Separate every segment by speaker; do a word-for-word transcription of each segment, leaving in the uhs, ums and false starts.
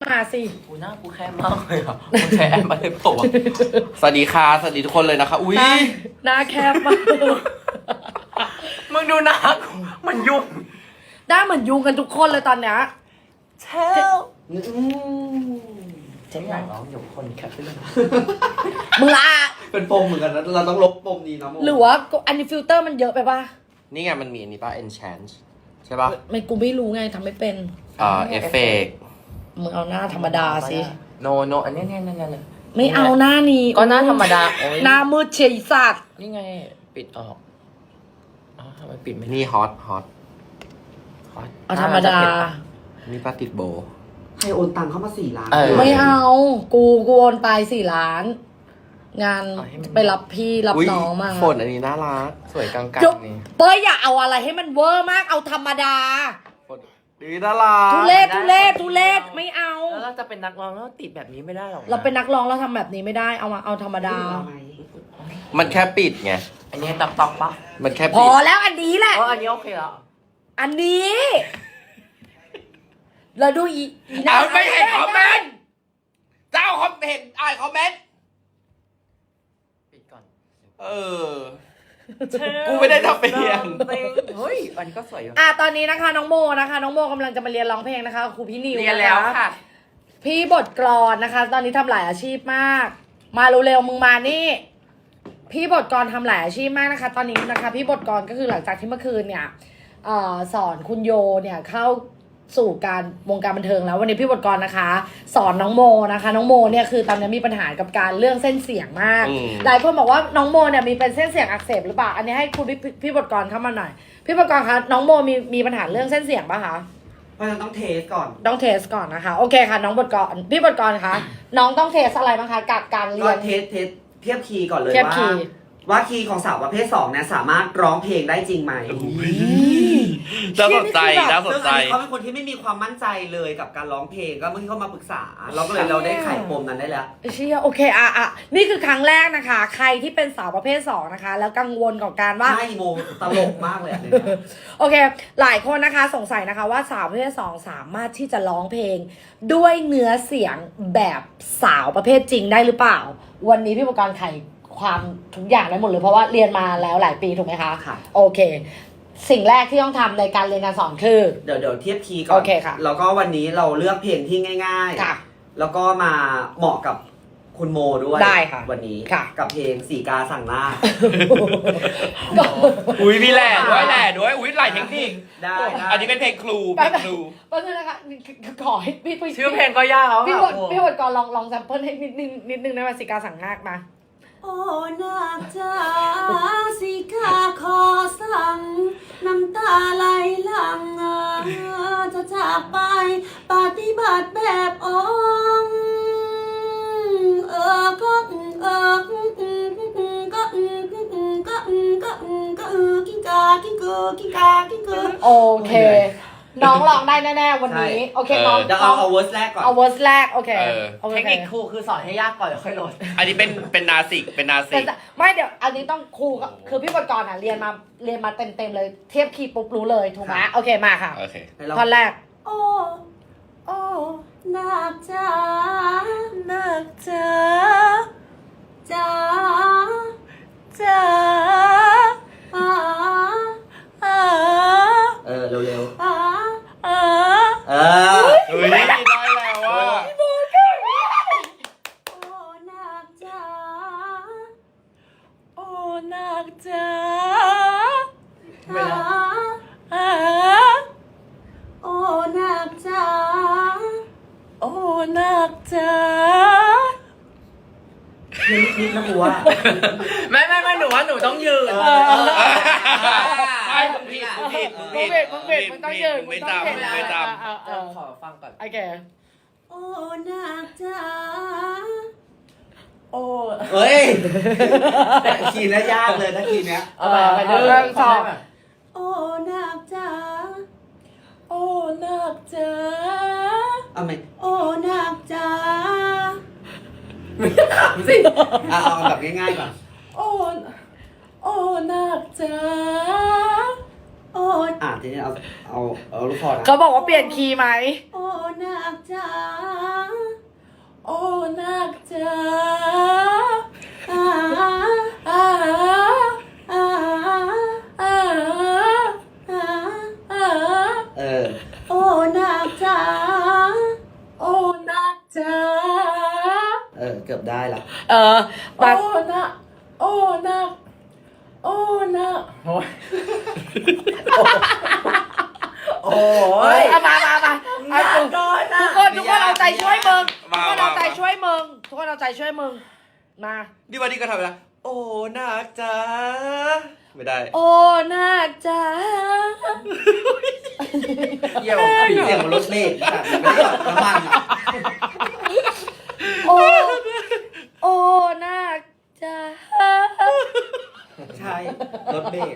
Speaker 1: มาสิ
Speaker 2: กูหน้ากูแค่มากเลยอ่ะมึงใช้แอปอะไรเปล่าวะสวัสดีค่ะสวัสดีทุกคนเลยนะคะอุ้ย
Speaker 1: หน้าแคบมาก
Speaker 2: มึงดูหน้ามันยุ่ง
Speaker 1: หน้าเหมือนยุงกันทุกคนเลยตอนเนี้ย
Speaker 2: เชลเจ๊อยากร้องอยู่คนแคปเลย
Speaker 1: มึงละ
Speaker 3: เป็นปมเหมือนกันนะเราต้องลบปมนี้นะโม
Speaker 1: หรือว่าอันนี้ฟิลเตอร์มันเยอะไปป่ะ
Speaker 2: นี่ไงมันมีอันนี้ป่ะ enchant ใช่ป่ะ
Speaker 1: ไม่กูไม่รู้ไงทำไม่เป็น
Speaker 2: อ่าเอฟเฟกต์
Speaker 1: มึงเอาหน้าธรรมดาสิ
Speaker 2: โนโนอันนี้เนี่ยเนี่ยเนี่ย
Speaker 1: ไม่เอาหน้านี้
Speaker 2: ก็หน้าธรรมดา
Speaker 1: หน้ามืดเฉยสัตว์
Speaker 2: นี่ไงปิดออกอ๋อทำไมปิดไม่นี่ฮอตฮอต
Speaker 1: เอาธรรมดา
Speaker 2: นี่ป้าติดโบ
Speaker 3: ให้โอนตังเข้ามาสี่ล้าน
Speaker 1: ไม่เอากูกูโอนไปสี่ล้านงานไปรับพี่รับน้องมา
Speaker 2: ฝนอันนี้น่ารักสวยกลางๆนี่
Speaker 1: เป้ยอย่าเอาอะไรให้มันเวอร์มากเอาธรรมดา
Speaker 2: ดีน่ารัก
Speaker 1: ทุเรศทุเรศทุเรศไม่เอา
Speaker 2: แล้วเราจะเป็นนักร้องแล้วติดแบบนี้ไม่ได้หรอก
Speaker 1: เราเป็นนักร้องเราทำแบบนี้ไม่ได้เอามาเอาธรรมดา
Speaker 2: มันแค่ปิดไงอันนี้ตับตอกปะมันแค่
Speaker 1: พอแล้วอันนี้แหละ
Speaker 2: อ๋ออันนี้โอเคแล้ว
Speaker 1: อันนี้เราดูอี
Speaker 2: เอาไม่เห็นคอมเมนต์เจ้าคอมเมนต์อ่านคอมเมนต์ปิดก่อนเออกูไม่ได้ทำเป็นยังเฮ้ยอันนี้ก็สวยอยู่
Speaker 1: อ่ะตอนนี้นะคะน้องโมนะคะน้องโมกำลังจะมาเรียนร้องเพลงนะคะครูพี่นิว
Speaker 2: เรียนแล้วค่ะ
Speaker 1: พี่บทกลอนนะคะ ตอนนี้ทำหลายอาชีพมากมาเร็วๆมึงมานี่พี่บทกลอนทำหลายอาชีพมากนะคะ ตอนนี้นะคะพี่บทกลอนก็คือหลังจากที่เมื่อคืนเนี่ยเอ่อสอนคุณโยเนี่ยเข้าสู่การวงการบันเทิงแล้ววันนี้พี่บทกรนะคะสอนน้องโมนะคะน้องโมเนี่ยคือตอนนี้มีปัญหากับการเรื่องเส้นเสียงมากหลายคนบอกว่าน้องโมเนี่ยมีเป็นเส้นเสียงอักเสบหรือเปล่าอันนี้ให้คุณพี่พี่บทกรเข้ามาหน่อยพี่บทกรคะน้องโมมีมีปัญหาเรื่องเส้นเสียงป่ะคะ
Speaker 3: เพราะฉะนั้นต้องเทสก่อน
Speaker 1: ต้องเทสก่อนนะคะโอเคค่ะน้องบทกรพี่บทกรคะน้องต้องเทสอะไรบ้างคะกับการเรียน
Speaker 3: เทสเทสเทียบคีย์ก่อนเลยว่าว่าคีย์ของสาวประเภทสองเนี่ยสามารถร้องเพลงได้จริงไหม
Speaker 2: น่าสนใจน่าสนใจ
Speaker 3: เขาเป็นคนที่ไม่มีความมั่นใจเลยกับการร้องเพลงก็เมื่อที่เขามาปรึกษาเราก็เลยเราได้ไขปมนั้นได้แล้ว
Speaker 1: เชี่ยโอเคอ่ะอ่ะนี่คือครั้งแรกนะคะใครที่เป็นสาวประเภทสองนะคะแล้วกังวลกับการว่า
Speaker 3: ใช่โมตลกมากเลย
Speaker 1: โอเคหลายคนนะคะสงสัยนะคะว่าสาวประเภทสองสามารถที่จะร้องเพลงด้วยเนื้อเสียงแบบสาวประเภทจริงได้หรือเปล่าวันนี้พี่ประกรณ์ไขความทุกอย่างได้หมดเลยเพราะว่าเรียนมาแล้วหลายปีถูกไหมคะ
Speaker 3: ค่ะ
Speaker 1: โอเคสิ่งแรกที่ต้องทำในการเรียนการสอนคือ
Speaker 3: เดี๋ยวเดี๋ยวเทียบคีย์ก่อน
Speaker 1: โอเคค่ะ
Speaker 3: แล้วก็วันนี้เราเลือกเพลงที่ง่ายๆ
Speaker 1: ค่ะ
Speaker 3: แล้วก็มาเหมาะกับคุณโมด้วย
Speaker 1: ได้ค่ะ
Speaker 3: วันนี้
Speaker 1: ค่ะ
Speaker 3: กับเพลงสีกาสั่งล่า
Speaker 2: อุ้ยมีแหล่ด้วยแหล่ด้วยอุ้ยหลายเทคนิค
Speaker 3: ได้
Speaker 2: อันนี้เป็นเพลงครูเป็นครู
Speaker 1: เพราะฉะนั้นนะคะขอให้พี่
Speaker 2: ชื่อเพลงก็ยากแล้ว
Speaker 1: พี่บทพี่บทก่อนลองลองแซมเปิลให้นิดนึงนิดนึงได้ไหมสีกาสั่งงากมา
Speaker 4: โอ้นาคจ้าสิกาขอสั่งน้ำตาไหลหลังจะจากไปปฏิบัติแบบองเออก็เออก็ก็ก็ก็กินกากินเกอกินกากินเกอ
Speaker 1: โอเคน้องร้องได้แน่ๆวันนี้โอเคน้อง
Speaker 3: จะเอาเอาเวอร์สแรกก่อน
Speaker 1: เอาเวอร์สแรกโอเค
Speaker 2: เทคนิคครูคือสอนให้ยากก่อนแล้วค่อยลดอันนี้เป็นเป็นนาสิกเป็นนาสิก
Speaker 1: ไม่เดี๋ยวอันนี้ต้องครูคือพี่บทกรอ่ะเรียนมาเรียนมาเต็มๆเลยเทียบคีย์ปุ๊บรู้เลยถูกไหมโอเคมาค่ะ
Speaker 2: โอเค
Speaker 1: ท่อนแรก
Speaker 4: โอ้โอ้นาคจ้า
Speaker 1: นาคจ้า
Speaker 4: จ้า
Speaker 1: จ้า
Speaker 4: อ่า
Speaker 1: อ่า
Speaker 3: เออเร็ว
Speaker 4: ๆอ่า
Speaker 1: อ่า
Speaker 3: เออ
Speaker 2: เฮ้ยได้แล้วอ่ะ
Speaker 4: โอ้นาคจ้า
Speaker 1: โอ้นาคจ้า
Speaker 4: อ่า
Speaker 1: อ่า
Speaker 4: โอ้นาคจ้า
Speaker 1: โอ้นาคจ้า
Speaker 3: นิดๆนะกูว่า
Speaker 2: ไม่ไม่ไม่หนูว่าหนูต้องยืนใช่มึงผิดมึงผิดมึงผิด
Speaker 1: มึงผิดมึงต้องยืน
Speaker 2: มึงไม่ตามมึงไม่ตาม
Speaker 1: ขอฟังก่อนโอเค
Speaker 4: โอ้นาคจ้า
Speaker 1: โอ้
Speaker 3: เฮ้ยแต่คีย์น่ายากเลยนะคีย์เนี้ย
Speaker 1: เอาไปไปเรื่องสอง
Speaker 4: โอ้นาคจ้า
Speaker 1: โอ้นาคจ้า
Speaker 3: เอาไหม
Speaker 4: โอ้นาคจ้า
Speaker 3: สิเอาเอาแบบง่ายๆก่อน
Speaker 1: โอ้โอ้นาคจ้า
Speaker 4: โอ้
Speaker 3: อ่ะทีนี้เอาเอาเอาลูกคอนะ
Speaker 1: เขาบอกว่าเปลี่ยนคีย์ไหม
Speaker 4: โอ้นาคจ้าโอ้นักจ๋าอ่าอ่าอ่าอ่าอ่าอ่า
Speaker 3: เออ
Speaker 4: โอ้นักจ๋าโอ้นักจ๋า
Speaker 3: เออ เกือบได้ละ
Speaker 1: เออ
Speaker 4: โอ้
Speaker 1: บัก
Speaker 4: นักโอ้นักโอ้นัก
Speaker 2: โอ้ยโอ้
Speaker 1: เฮ้
Speaker 2: ย
Speaker 1: ยเอามามามาเอา
Speaker 2: ก่
Speaker 1: ทุ
Speaker 2: อก น
Speaker 1: ทุ
Speaker 2: นะ
Speaker 1: กคนทุกคนเอาใจช่วยมึงทุ
Speaker 2: มาก
Speaker 1: คนเอาใจ
Speaker 2: มา
Speaker 1: ช่วยมึงทุกคนเอาใจช่วยมึงมา
Speaker 2: ดีวันนี้ก็ทำไปแล้วโอ้นักจ้าไม่ได้
Speaker 1: โอ้นักจ๋า
Speaker 2: เยี่ยม
Speaker 3: เสียงมันรถเมล์ค่ะไม่ได้แบบน้ำมันอ่ะ
Speaker 1: โอ้โอ้นักจ๋า
Speaker 3: ใช่ รถเมล์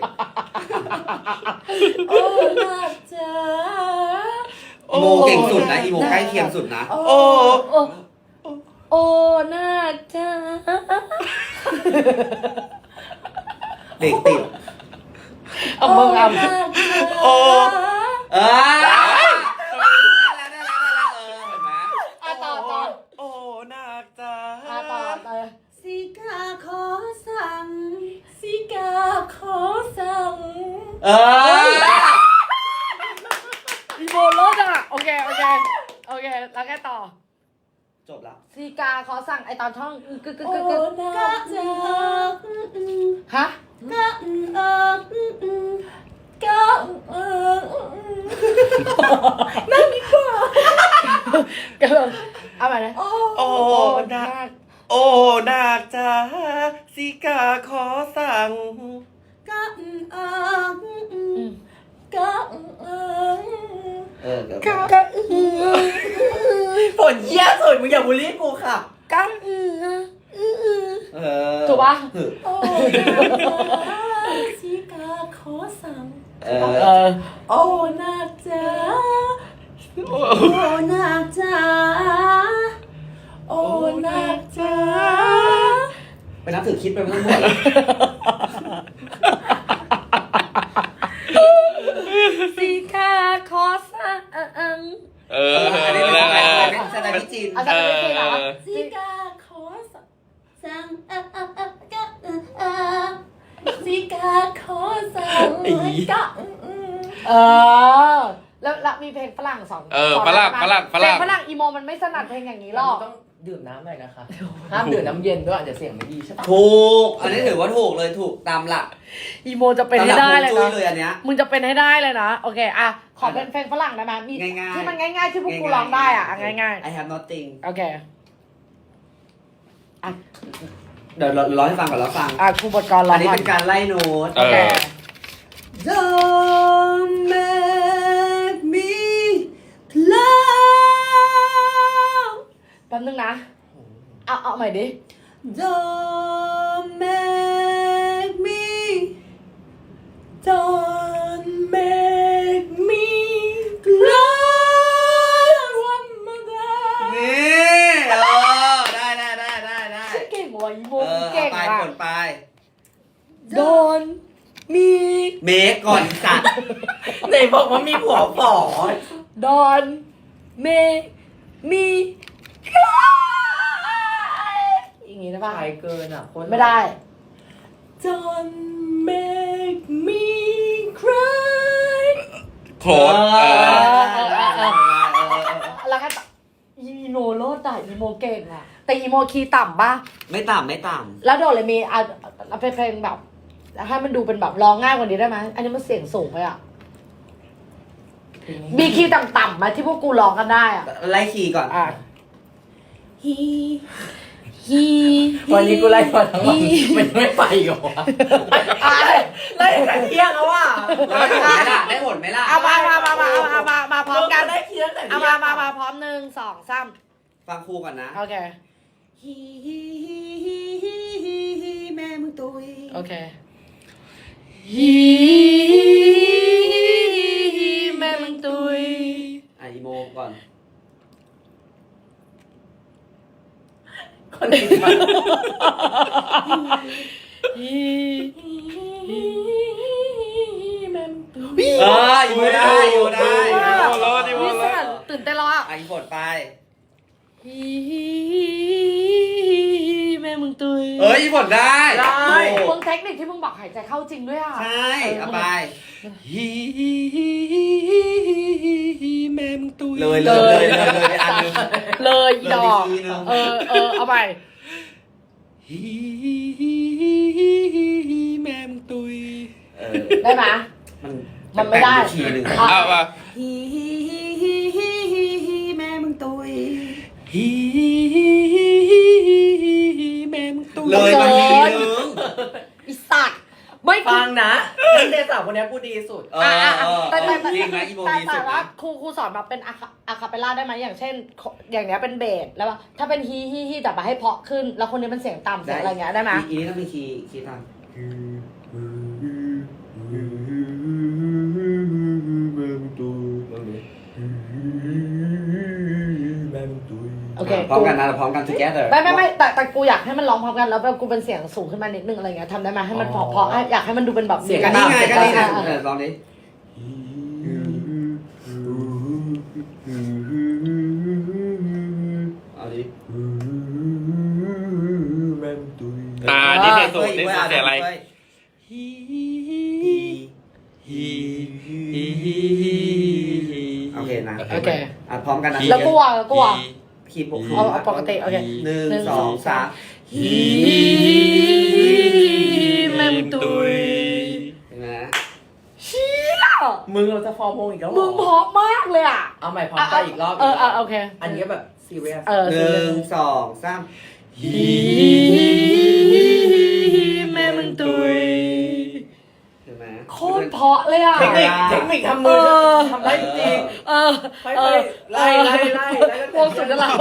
Speaker 4: โอ้นักจ๋า
Speaker 3: อีโมเก่งสุดนะอีโมใกล้เคียงสุดนะ
Speaker 2: โอ้
Speaker 1: โอ้โอ้นักจ๋า
Speaker 3: เด็กติด
Speaker 1: เอามึงเอา
Speaker 4: นักจ๋า
Speaker 2: โอ้
Speaker 3: เออได้แล้วได้แล้วได้แล้วเออเห็นไหม
Speaker 1: อ่ะต่อต่อ
Speaker 2: โอ้นักจ้า
Speaker 1: อ่ะต่อต่อ
Speaker 4: สิกาขอสั่งสิกาขอสั่ง
Speaker 3: เออ
Speaker 1: อีโมรถอ่ะโอเคโอเคโอเคแล้วแกต่อ
Speaker 3: จบละ
Speaker 1: ซีกาขอสั่งไอตอนท่องกึกกึก
Speaker 4: โอ้
Speaker 1: กึกกึก
Speaker 4: นักจ๋า
Speaker 1: ฮะ
Speaker 4: กะเอิงกะเอิงนั่งดีกว่า
Speaker 1: กำลังเอาใหม่นะ
Speaker 4: โอ้
Speaker 2: โอ้นักโอ้นักจ้าสิกาขอสั่ง
Speaker 4: กะเอิงกะเอิง
Speaker 3: เออเกือบ
Speaker 1: กะ
Speaker 3: ละ
Speaker 1: กะอือ
Speaker 2: ผลเยี่ยสุดมึงอย่าบูลลี่กูค่ะ
Speaker 1: กะอืออือ
Speaker 3: เออ
Speaker 1: ถูกปะ
Speaker 4: โอ้นักจ๋าสิกาขอสั่ง
Speaker 3: เอ
Speaker 1: เอ
Speaker 3: อ
Speaker 1: อ
Speaker 4: โอ้นักจ๋าโอ้นักจ๋าโอ้นักจ๋า
Speaker 3: ไปนับถือคิดไปทั้งหมด
Speaker 1: ซีกาขอสั่ง
Speaker 2: เอ
Speaker 3: เอ
Speaker 2: อ
Speaker 3: ออันนี้เป็นของใครเป็นสไตล์พี่จีน
Speaker 1: อาจารย์ไม่ได้เหรอ
Speaker 4: สิกาขอสั่งเอ่อเอ่อเอ่อกะเอ่อเอ่อสิกาขอสั่งกะอืมอืม
Speaker 1: เออแล้วแล้วมีเพลงฝรั่งสอง
Speaker 2: เออ
Speaker 1: สน
Speaker 2: ฝรั่ง
Speaker 1: ได้
Speaker 2: ฝ
Speaker 1: ปะ
Speaker 2: รั่งฝ
Speaker 1: เพล
Speaker 2: รั่
Speaker 1: ง
Speaker 2: ง
Speaker 1: ฝรั่งอีโมมันไม่ถนัดเพลงอย่างนี้หรอก
Speaker 5: ต้องดื่มน้ำหน่อยนะคะ ห้ามดื่มน้ำเย็นด้วยเดี๋ยวเสียงไม่ดีใช่ปะ
Speaker 3: ถูก อันนี้ถือว่าถูกเลยถูกตามหลัก
Speaker 1: อีโมจะเป็นให้
Speaker 3: ตามห
Speaker 1: ได้
Speaker 3: ลัก
Speaker 1: เลย
Speaker 3: ฮวงจุ้
Speaker 1: นะ
Speaker 3: เลยอันเนี้ย
Speaker 1: มึงจะเป็นให้ได้เลยนะ โอเค อ่ะ ขอเป็นเพลงฝรั่งได้ไหมมี
Speaker 3: ง่ายๆ
Speaker 1: ที่มันง่ายๆ ที่พวกกูร้องได้อ่ะอ่ะง่าย
Speaker 3: I have nothing
Speaker 1: ๆ โอเค อ่ะ
Speaker 3: เดี๋ยวเราร้องให้ฟังก่อนแล้วฟัง
Speaker 1: อ่ะครูบทกรร้อ
Speaker 3: อั
Speaker 1: ง
Speaker 3: นนี้
Speaker 1: ก่อน
Speaker 3: เป็นการไล่โน้ต
Speaker 1: โอเค
Speaker 4: Don't make me clown
Speaker 1: แป๊บนึงนะ เอาเอาใหม่ดิ
Speaker 4: Don't make me Don't make me cry one more
Speaker 3: นี่เออได้ได้ได้ได้ได้
Speaker 1: เก่งว่ะอีโม
Speaker 3: เออ
Speaker 1: เก่ง
Speaker 3: ไป
Speaker 1: อ่ะ
Speaker 3: กดไป
Speaker 1: โดนมี
Speaker 3: เมคก่อนสัตว์
Speaker 5: ไหนบอกว่ามีผัวฝอ
Speaker 1: ดอนเมมีคลายอย่างงี้ได้ป่ะ
Speaker 5: ตายเกินอ่ะคน
Speaker 1: ไม่ได้
Speaker 4: Don't make me cry
Speaker 2: โคตรเออ
Speaker 3: เออเออเออเออ
Speaker 1: แล้วก็อีโมโลดอ่ะอีโมเก่งอ่ะ แต่อีโมคีย์ต่ำป่ะ
Speaker 3: ไม่ต่ำไม่ต่
Speaker 1: แล้วโดนเลยมีอ่ะเอาเพลงแบบให้มันดูเป็นแบบร้องง่ายกว่านี้ได้ไหมอันนี้มันเสียงสูงไปอ่ะ มีคีย์ต่ำๆไหมาที่พวกกูร้องกันได้อ่ะ
Speaker 3: ำไล่คีย์ก่อน
Speaker 1: อ่ะ
Speaker 4: He
Speaker 1: ฮี
Speaker 5: วันนี้กูไล่มาทั้งวันมันไม่ไปหรอวะ
Speaker 1: อ่ะ
Speaker 5: ไล่แต่เที่ยงแล้วว่ะ
Speaker 3: แล้วได้ผลไหมล่ะได้ผลไหมล่ะ
Speaker 1: เอามามามามาเอามามาพร้อมกัน
Speaker 5: ได้เที่ยงแต่
Speaker 1: เอามามามาพร้อมหนึ่งสองสาม
Speaker 3: ฟังครูก่อนนะ
Speaker 1: โอเค
Speaker 4: He he he he he he he แม่มึงตุย
Speaker 1: โอเคฮีแม่มึงตุย
Speaker 3: อ่ะอีโมก่อน
Speaker 5: คนอื่นมา
Speaker 1: ฮีแม่มึงตุย
Speaker 3: เอออีโมได้อีโมได้
Speaker 2: โอ้โหรอดอีโม
Speaker 1: นี่
Speaker 2: ร
Speaker 1: ส
Speaker 2: อด
Speaker 1: นั่นตื่นเต้นแล้วอ่ะ
Speaker 3: อ่ะอีโมดไป
Speaker 1: ฮี
Speaker 3: เอ้ยผลได้
Speaker 2: ได้
Speaker 1: มึงเทคนิคที่มึงบอกหายใจเข้าจริงด้วยอ่ะ
Speaker 3: ใช่เอาไป
Speaker 2: ฮีแม่มึงตุย
Speaker 3: เลยเลยเลยเลยเลยอันนึง
Speaker 1: เลยอีดอก
Speaker 3: เลยอีกทีนึง
Speaker 1: เออเออเอาไป
Speaker 2: ฮีแม่มึงตุย
Speaker 3: เออ
Speaker 1: ได้ไหม
Speaker 3: มัน
Speaker 1: มันไม่ได้
Speaker 3: แปลกๆอีกทีหนึ่ง
Speaker 1: อ่ะ
Speaker 2: เอาป่ะ
Speaker 4: ฮีฮีฮีฮีฮีฮีฮีแม่มึงตุย
Speaker 2: ฮีแม่มึงตุย
Speaker 3: เลยมาทีนึง
Speaker 1: อีสัตว์ไม่
Speaker 5: ฟังนะนักเรียนสาวคนนี้พูดดีสุด
Speaker 3: เออ
Speaker 1: อ่ะ
Speaker 3: เอ
Speaker 1: อ่ะ
Speaker 3: อ
Speaker 1: แต่แต่แต่
Speaker 3: จริงนะอีโม
Speaker 1: แต่
Speaker 3: ดี
Speaker 1: แต่
Speaker 3: สุด
Speaker 1: ว่า
Speaker 3: นะ
Speaker 1: ครูครูสอนมาเป็นอะคาอะคาเปลล่าได้ไหมอย่างเช่น อย่างเนี้ยเป็นเบสแล้วว่าถ้าเป็นฮีฮีฮีแต่มาให้เพาะขึ้น แล้วคนนี้เป็นเสียงต่ำเสียงอะไรเงี้ยได้ไหม
Speaker 3: อีนี้ต้องมีคีย์คีย์ตาม
Speaker 1: โอเค
Speaker 3: พร้อมกันนะเราพร้อมกัน together
Speaker 1: ไม่ไม่ไม่แต่แต่กูอยากให้มันร้องพร้อมกันแล้วแบบกูเป็นเสียงสูงขึ้นมานิดนึงอะไรเงี้ยทำได้ไหมให้มันเพราะเพราะให้อยากให้มันดูเป็นแบบ
Speaker 5: เสียง
Speaker 3: ก็นี่ไงก็นี่ไง
Speaker 1: อ่ะ
Speaker 3: เออลองดิเอาดิ
Speaker 2: อ่านี่เพลงสูงนี่
Speaker 3: เว้ย
Speaker 2: เสียงอะไร
Speaker 3: เว้ย
Speaker 2: ฮีฮี
Speaker 3: โอเคนะ
Speaker 1: โอเค
Speaker 3: อ่ะพร้อมกันนะ
Speaker 1: แล้วกูอ่ะแล้วกูอ่ะ
Speaker 3: คีย์ปก
Speaker 1: เอาเอาปกติโอเค
Speaker 3: หนึ่งสองสาม
Speaker 2: ฮี
Speaker 1: แม่มึงตุย
Speaker 3: เห็นไหม
Speaker 1: เชี่ย
Speaker 5: มึงเราจะฟอร์มวงอีกแล้วเหร
Speaker 1: มึ
Speaker 5: อง
Speaker 1: เพราะมากเลยอ่ะ
Speaker 5: เอาใหม่พร้อมกันอีกรอบ
Speaker 1: เออเออโอเค
Speaker 5: อันนี้แบบซีเรียส
Speaker 1: เออ
Speaker 3: หนึ่งสองสาม
Speaker 2: ฮี
Speaker 1: แม่มึงตุย
Speaker 3: เห็นไหม
Speaker 1: โคตรเพราะเลยอ่ะ
Speaker 5: เทคนิคเทคนิคทำมือ
Speaker 1: เออ
Speaker 5: ทำได้จริง
Speaker 1: เออ
Speaker 5: ค่อย
Speaker 1: เอ
Speaker 5: ๆ
Speaker 1: อ
Speaker 5: ไล่ไล่ไล่ไล่
Speaker 1: พวกสุดแล้ว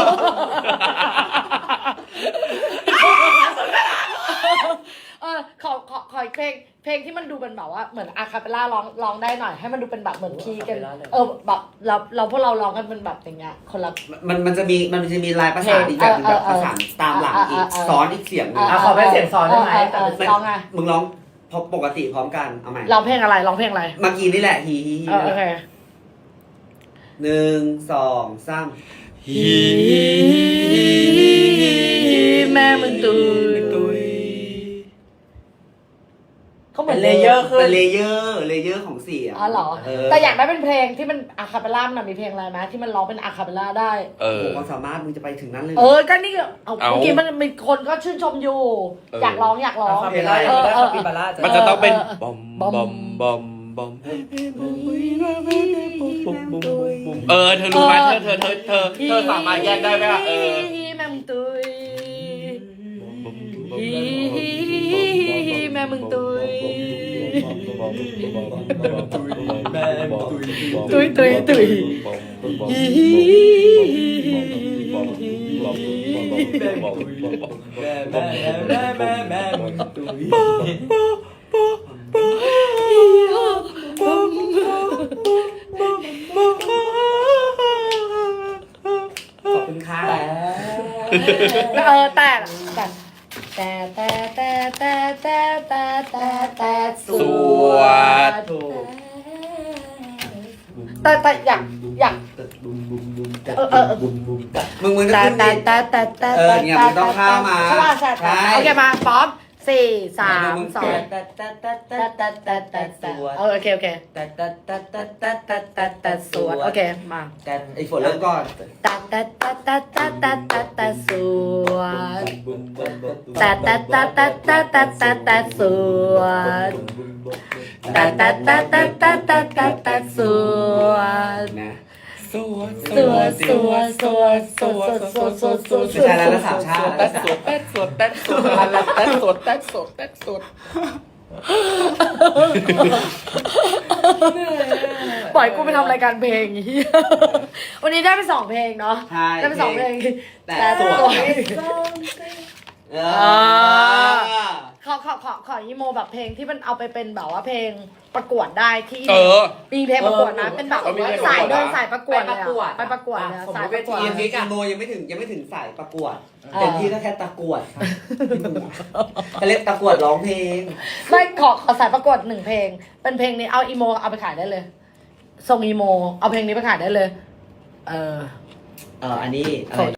Speaker 1: เออขอขอขออีกเพลงเพลงที่มันดูเป็นแบบว่าเหมือนอะคาเปลล่าร้องร้องได้หน่อยให้มันดูเป็นแบบเหมือนคีย์กันเออแบบเราเราพวกเราร้องกันเป็นแบบอย่างเงี้ยคนละ
Speaker 3: มันมันจะมีมันจะมีลายประสานอีกแบบหนึงแบบประสานตามหลังอีกซ้อนอีกเสียงหนึง
Speaker 5: อ่ะขอเป็นเสียงซ้อนได้ไหม
Speaker 1: เออเออร้องไง
Speaker 3: มึงร้องพอปกติพร้อมกันเอาใหม่
Speaker 1: ร้องเพลงอะไรร้องเพลงอะไร
Speaker 3: เมื่อกี้นี่แหละฮีฮีฮี
Speaker 1: เออโอเค
Speaker 3: หนึ่งสองสาม
Speaker 2: ฮี
Speaker 1: แม่มึงตุยเขาเหมื
Speaker 5: เป็
Speaker 1: อน
Speaker 5: นเลเยอร์ขึ้
Speaker 3: เป็น นเลเยอร์เลเยอร์ของเสียง
Speaker 1: อ๋อเหรอ
Speaker 3: เออ
Speaker 1: แต่อยากได้เป็นเพลงที่มันอะคาเปลล่ามันมีเพลงอะไรไหมที่มันร้องเป็นอะคาเปลล่าได้
Speaker 2: เอ
Speaker 3: โอ้
Speaker 2: อ
Speaker 3: โหความสามารถมึงจะไปถึงนั้นเลย
Speaker 1: เออก็นี่เอา
Speaker 2: เอา
Speaker 1: เมื่อกี้มันมีคนก็ชื่นชมอยู่
Speaker 2: เออ
Speaker 1: อ
Speaker 2: อ
Speaker 1: ยากร้องอยากร้อง
Speaker 5: คาเปลล่า
Speaker 1: เออ
Speaker 5: ได้
Speaker 1: เออ
Speaker 5: คาปิบาร่าจะ
Speaker 2: มันจะต้องเป็น
Speaker 1: เออ
Speaker 2: บอม
Speaker 1: บบ อ
Speaker 2: อ
Speaker 1: ม
Speaker 2: มบอมบอมเออเธอรู้ไหมเธอเธอเธอเธอเธอสามารถแยกได้ไหมล่ะเออ
Speaker 1: แม่มึงตุยแม่มึงตุยตุยตุยตุย
Speaker 3: ขอบคุณค่ะ
Speaker 1: เออแต่แต่แต่แต่แต่แต่แต่แต่แต่แต่ส
Speaker 2: ส
Speaker 1: ว
Speaker 2: วั
Speaker 1: ด
Speaker 2: สดี
Speaker 1: แต่แต่อยากอยากเออเออ
Speaker 3: มึงมึงจะ
Speaker 1: แต่
Speaker 3: ขึ้น
Speaker 1: แต่
Speaker 3: ดิ
Speaker 1: แต่แต่แต่
Speaker 3: เออเนี่ยมึงต้องเข้ามา
Speaker 1: ใช่ป่ะใช่
Speaker 3: ใช่
Speaker 1: โอเคมาพร้อมสี่สาม
Speaker 3: มึง
Speaker 1: สอง
Speaker 5: แต่แต่แต่แต่
Speaker 1: แต่แต่แต่แต่แต่เออโอเคโอเค
Speaker 5: แต่แต่แต่แต่แต่แต่แต่
Speaker 1: แต่แต่สวดโอเคมา
Speaker 5: แต่
Speaker 3: ไอ้ฝนเริ่มก่อน
Speaker 1: แต่แต่แต่แต่แต่แต่แต่แต่สวดแต่แต่แต่แต่แต่แต่แต่แต่สวดแต่แต่แต่แต่แต่แต่แต่แต่สวด
Speaker 3: นะ
Speaker 2: สวด
Speaker 1: สวดสวดสวดสวดสวดสวดสวดสวด
Speaker 3: ไม่ใช่แล้วนะสามชาติ
Speaker 2: แต๊ดสวดแต๊ดสวดแต๊ดสวดแต๊ดสวดแต๊ดสวดแต๊ดสวด
Speaker 1: ปล่อยกูไปทำรายการเพลงเหี้ยวันนี้ได้ไปสองเพลงเนาะ
Speaker 3: ใช่
Speaker 1: ได้ไปสองเพลง
Speaker 3: แต่
Speaker 1: แต่
Speaker 3: ส
Speaker 1: ตัว ว
Speaker 3: เอ
Speaker 1: อ่า
Speaker 3: อ
Speaker 1: ขอขอขอขออีโมแบบเพลงที่มันเอาไปเป็นแบบว่าเพลงประกวดได้ที่
Speaker 2: เออ
Speaker 1: มีเพลงประกวดนะเป็นแบบ
Speaker 2: เออมีเพลงประกวด
Speaker 1: สายเดิน
Speaker 2: นะ
Speaker 1: สายประกวดเลยอะไปประกวดเลยอะสายประกวด
Speaker 3: ทีมนี้อีโมยังไม่ถึงยังไม่ถึงสายประกวดเต็มที่ก็แค่ตะกวดค่ะเขาเรียกตะกวดร้องเพลง
Speaker 1: ไม่ขอขอสายประกวดหนึ่งเพลง เป็นเพลงนี้เอาอีโมเอาไปขายได้เลยส่งอีโมเอาเพลงนี้ไปขายได้เลย เออ
Speaker 3: เอออันนี้อะไร